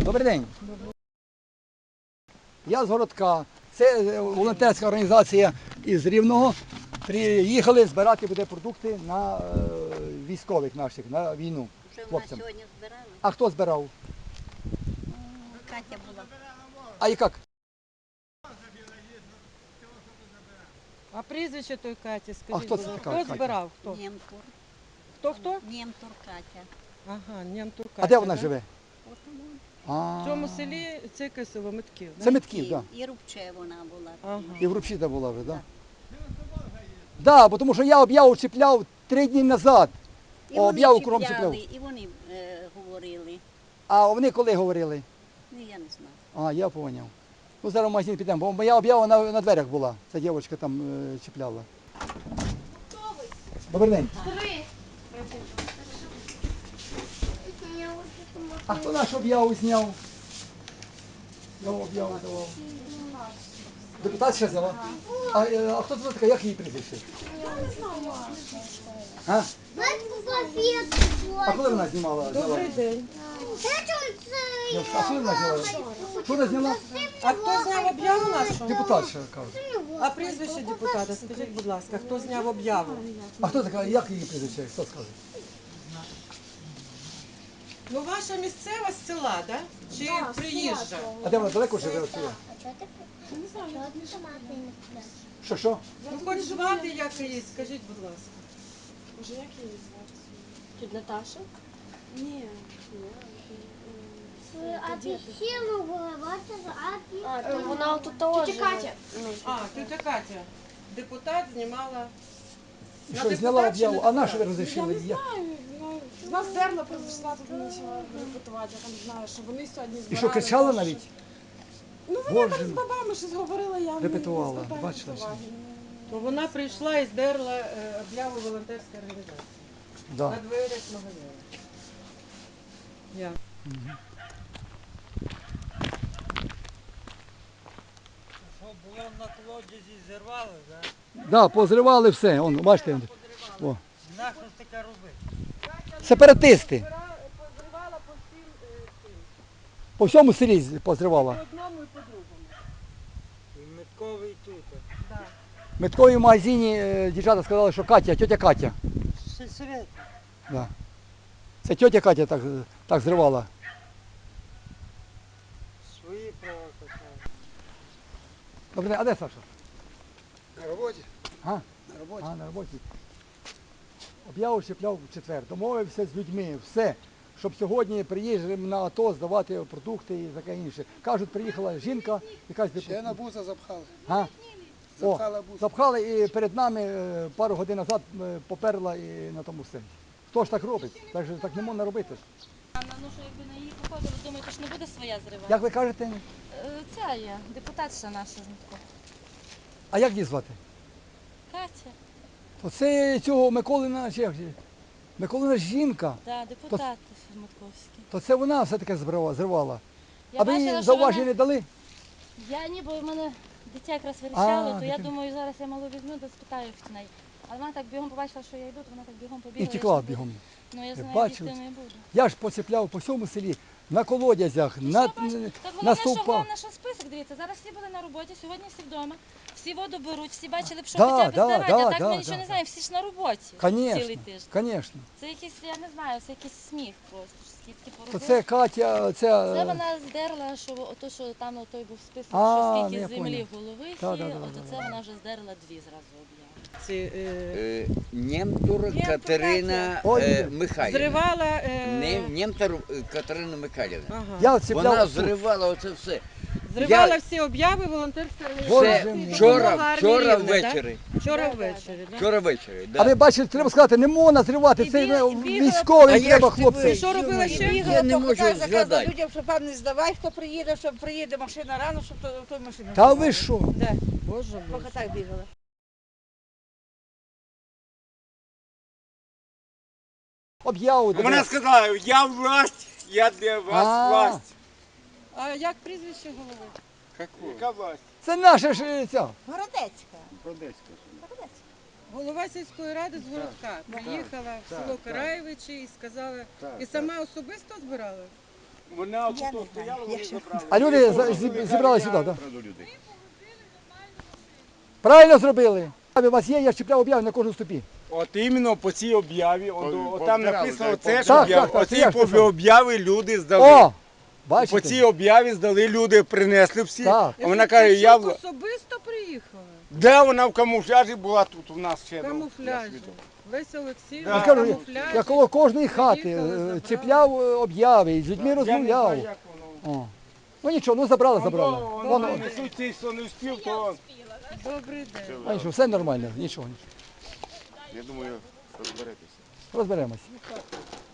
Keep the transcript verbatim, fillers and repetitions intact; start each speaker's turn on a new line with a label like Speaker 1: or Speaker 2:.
Speaker 1: Добрий день. Я з Городка. Це волонтерська організація із Рівного. Приїхали збирати буде продукти на е, військових наших, на війну.
Speaker 2: Вже у нас
Speaker 1: Хлопцям.
Speaker 2: сьогодні збирали.
Speaker 1: А хто збирав?
Speaker 2: Катя була.
Speaker 1: А і як?
Speaker 3: А прізвище той Каті,
Speaker 1: А
Speaker 3: скажіть,
Speaker 1: хто
Speaker 3: будь
Speaker 1: це
Speaker 3: ласка,
Speaker 1: така
Speaker 3: хто
Speaker 1: Катя?
Speaker 3: збирав? Хто?
Speaker 2: Нємтур.
Speaker 3: Хто хто?
Speaker 2: Нємтур Катя.
Speaker 3: Ага, Нємтур Катя.
Speaker 1: А де вона
Speaker 3: да?
Speaker 1: живе?
Speaker 2: От тому.
Speaker 1: А,
Speaker 3: В цьому селі це яке село Митків, да?
Speaker 1: Це Митків, так.
Speaker 2: І Рубче вона була.
Speaker 3: Ага.
Speaker 1: І в Рубчі була вже, так? Так, да, бо тому що я об'яву чіпляв три дні назад.
Speaker 2: І вони
Speaker 1: Об'яву кругом
Speaker 2: чіпляли,
Speaker 1: чіпляв.
Speaker 2: і вони е, говорили.
Speaker 1: А вони коли говорили?
Speaker 2: Ну, я не знаю.
Speaker 1: А, я поняв. Ну, зараз в магазин підемо, бо моя об'ява на, на дверях була. Ця дівчинка там е, чіпляла. Добрий день. А хто нашу об'яву зняв? Я об'яву давав. Депутат ще взяла? А, е, а хто це така? Як її прізвище? А? А коли вона знімала?
Speaker 3: Добрий
Speaker 1: Зняла?
Speaker 3: день.
Speaker 1: Ну, А коли вона зняла? Що вона зняла?
Speaker 3: А хто зняв об'яву нашу?
Speaker 1: Депутат ще каже.
Speaker 3: А прізвище депутата, скажіть, будь ласка, хто зняв об'яву?
Speaker 1: А хто така? Як її прізвище? Хто скаже?
Speaker 3: Ну, ваша місцева з села, да? Чи приїжджа?
Speaker 1: А де вона далеко живе від сюди? Що, що?
Speaker 3: Ну, хоч звати як її, скажіть, будь ласка.
Speaker 4: Може, як її звати? Тіть Наташа? Ні.
Speaker 5: А ти сіла головати за
Speaker 4: А, то вона тут теж.
Speaker 5: Тітя Катя.
Speaker 4: Ну,
Speaker 3: А, тетя Катя. Депутат знімала.
Speaker 1: І
Speaker 3: На
Speaker 1: що, зняла
Speaker 3: депутат чи
Speaker 1: об'яву?
Speaker 3: не
Speaker 1: А на що ви
Speaker 3: депутат?
Speaker 1: розрішили?
Speaker 4: Я не знаю. Ну, з нас дерла прийшла, тут почала репетувати. Я там знаю, що вони сьогодні збирали.
Speaker 1: І що, кричала
Speaker 4: кошти.
Speaker 1: навіть?
Speaker 4: Ну, вона
Speaker 1: Боже
Speaker 4: там з
Speaker 1: мій.
Speaker 4: бабами щось говорила, я не-
Speaker 1: Репетувала,
Speaker 4: не звертаю
Speaker 1: бачила,
Speaker 4: уваги.
Speaker 3: То вона прийшла і здерла е, об'яву волонтерської організації.
Speaker 1: Да.
Speaker 3: На дверях магазину. Я.
Speaker 6: Що було на колодязі, зірвали, да?
Speaker 1: Да, позривали все. Он, бачите? О.
Speaker 6: Нащо ж таке робити?
Speaker 1: Сепаратисти.
Speaker 3: Позривала по всім е, цим.
Speaker 1: По всьому селі позривала.
Speaker 3: По одному і по другому.
Speaker 6: І метковий тут.
Speaker 3: Да.
Speaker 1: В метковій магазині е, дівчата сказали, що Катя, тьотя Катя.
Speaker 6: Сільсовет.
Speaker 1: Да. Це тьотя Катя так, так зривала.
Speaker 6: Свої права качали.
Speaker 1: Добре, а де Саша?
Speaker 7: На роботі.
Speaker 1: А?
Speaker 7: На роботі.
Speaker 1: А, на роботі. Об'яву чіпляв в четвер. Домовився з людьми, все. Щоб сьогодні приїжджали на АТО здавати продукти і таке інше. Кажуть, приїхала жінка, якась
Speaker 7: Ще на
Speaker 1: депутат.
Speaker 7: буса запхали.
Speaker 1: А? О,
Speaker 7: Запхала буса.
Speaker 1: запхали і перед нами е, пару годин назад е, поперла і на тому все. Хто ж так робить? Так, же, так не можна робити.
Speaker 8: Ну, що якби на її походили, думаєте, що не буде своя зрива?
Speaker 1: Як ви кажете?
Speaker 8: Е, Ця є, депутатша наша Змітко.
Speaker 1: А як її звати?
Speaker 8: Катя,
Speaker 1: То це цього Миколина, чи як же? Миколина жінка,
Speaker 8: да, депутат Змітковський.
Speaker 1: то це вона все-таки зривала. зривала.
Speaker 8: Я
Speaker 1: А ви
Speaker 8: бачила,
Speaker 1: їй
Speaker 8: що
Speaker 1: зауваження
Speaker 8: вона...
Speaker 1: не дали?
Speaker 8: Я ніби в мене дитя якраз вирішало,
Speaker 1: А,
Speaker 8: то я
Speaker 1: дитина.
Speaker 8: думаю, зараз я малу візьму, да спитаю в неї. Але вона так бігом побачила, що я йду, то вона так бігом побігла.
Speaker 1: І
Speaker 8: я
Speaker 1: тікла
Speaker 8: ж не буду.
Speaker 1: бігом.
Speaker 8: Ну, я
Speaker 1: Ви
Speaker 8: знаю,
Speaker 1: бачили?
Speaker 8: їсти не буду.
Speaker 1: Я ж поцепляв по всьому селі, на колодязях,
Speaker 8: Ну,
Speaker 1: на,
Speaker 8: що бачиш? Так
Speaker 1: на
Speaker 8: головне, що
Speaker 1: стовпах.
Speaker 8: головне, що список, дивіться, зараз всі були на роботі, сьогодні всі вдома, всі воду беруть, всі бачили б, що
Speaker 1: Да,
Speaker 8: хоча б
Speaker 1: да,
Speaker 8: здавати,
Speaker 1: да,
Speaker 8: а так
Speaker 1: да,
Speaker 8: ми нічого
Speaker 1: да,
Speaker 8: не знаємо, всі ж на роботі
Speaker 1: Конечно,
Speaker 8: цілий тиждень.
Speaker 1: конечно.
Speaker 8: Це якийсь, я не знаю, це якийсь сміх просто. Скільки
Speaker 1: То
Speaker 8: поробили.
Speaker 1: це Катя, це...
Speaker 8: Це вона здерла, що ото, що там на той був список,
Speaker 1: А,
Speaker 8: що
Speaker 1: ну,
Speaker 8: скільки
Speaker 1: я
Speaker 8: землі
Speaker 1: понял.
Speaker 8: голових
Speaker 1: Да,
Speaker 8: є,
Speaker 1: да, да,
Speaker 8: ото
Speaker 1: да,
Speaker 8: це
Speaker 1: да.
Speaker 8: вона вже здерла дві зразу об'яви.
Speaker 3: Ці, е,
Speaker 9: Е, Нємтур
Speaker 3: Нємтур
Speaker 9: Катерина
Speaker 1: Ой,
Speaker 9: е, Михайлівна.
Speaker 3: зривала. Е,
Speaker 9: Не, Нємтур е, Катерина Михайлівна.
Speaker 3: ага.
Speaker 1: Я цепляв
Speaker 9: Вона
Speaker 1: тут.
Speaker 9: зривала оце все.
Speaker 3: Зривала
Speaker 9: Я-
Speaker 3: всі об'яви волонтерської
Speaker 9: Це
Speaker 1: Боже
Speaker 3: організації.
Speaker 1: мій.
Speaker 9: вчора,
Speaker 3: допомога армії
Speaker 9: вчора
Speaker 3: Рівне, да?
Speaker 9: ввечері.
Speaker 3: Вчора ввечері, так?
Speaker 9: Вчора ввечері,
Speaker 1: А ви
Speaker 9: да.
Speaker 1: бачите, треба сказати, не можна зривати,
Speaker 3: І
Speaker 1: це
Speaker 3: біла-
Speaker 1: е,
Speaker 3: і бігала-
Speaker 9: А
Speaker 1: військовим
Speaker 9: я
Speaker 1: треба,
Speaker 9: ж
Speaker 1: хлопці.
Speaker 9: тебе-
Speaker 3: Що робила ще?
Speaker 9: Я не можу згадати.
Speaker 10: людям, щоб вам не здавай, хто приїде, щоб приїде машина рано, щоб то, той машину.
Speaker 1: Та ви що?
Speaker 10: Де?
Speaker 3: Боже мій.
Speaker 10: Поки так бігала.
Speaker 1: Об'яву. де
Speaker 7: Вона
Speaker 1: ви-
Speaker 7: сказала, я власть, я для вас
Speaker 1: А.
Speaker 7: власть.
Speaker 3: А як прізвище голови?
Speaker 7: Яка власть?
Speaker 1: Це наша ж е, ця.
Speaker 2: Городецька.
Speaker 7: Одеська.
Speaker 3: Голова сільської ради з Городка приїхала в село Караєвичі і сказала, і сама особисто збирала?
Speaker 7: Вона отут стояла, вони забрали.
Speaker 1: А люди за- зі- зібрали сюди, так? Правильно зробили. У вас є, я чіпляв об'яви на кожному ступі.
Speaker 7: От іменно по цій об'яві, от, от там написано це,
Speaker 1: Так,
Speaker 7: що
Speaker 1: так,
Speaker 7: об'яви.
Speaker 1: так, це
Speaker 7: Оці
Speaker 1: я ж
Speaker 7: по
Speaker 1: писав.
Speaker 7: об'яви люди здали.
Speaker 1: О!
Speaker 7: По
Speaker 1: Бачите?
Speaker 7: цій об'яві здали люди, принесли всі.
Speaker 1: Так.
Speaker 7: А вона каже, я... в-
Speaker 3: особисто приїхала.
Speaker 7: Де вона в камуфляжі була тут у нас ще? ну,
Speaker 3: Камуфляжі. Леся Олексіївна,
Speaker 7: Да.
Speaker 1: Я кажу,
Speaker 3: камуфляжі.
Speaker 1: я коло кожної хати
Speaker 3: Приїхали,
Speaker 1: е,
Speaker 3: забрали.
Speaker 1: чіпляв е, об'яви, і з людьми
Speaker 7: Я не знаю,
Speaker 1: розмовляв.
Speaker 7: як воно.
Speaker 1: О. Ну нічого, ну забрали,
Speaker 7: Воно,
Speaker 1: забрали.
Speaker 7: воно,
Speaker 1: Воно,
Speaker 7: несуть цей, хто не встиг, то...
Speaker 3: Добрий день.
Speaker 1: а нічого, все нормально, нічого, нічого.
Speaker 11: Я думаю, розберетеся.
Speaker 1: Розберемось.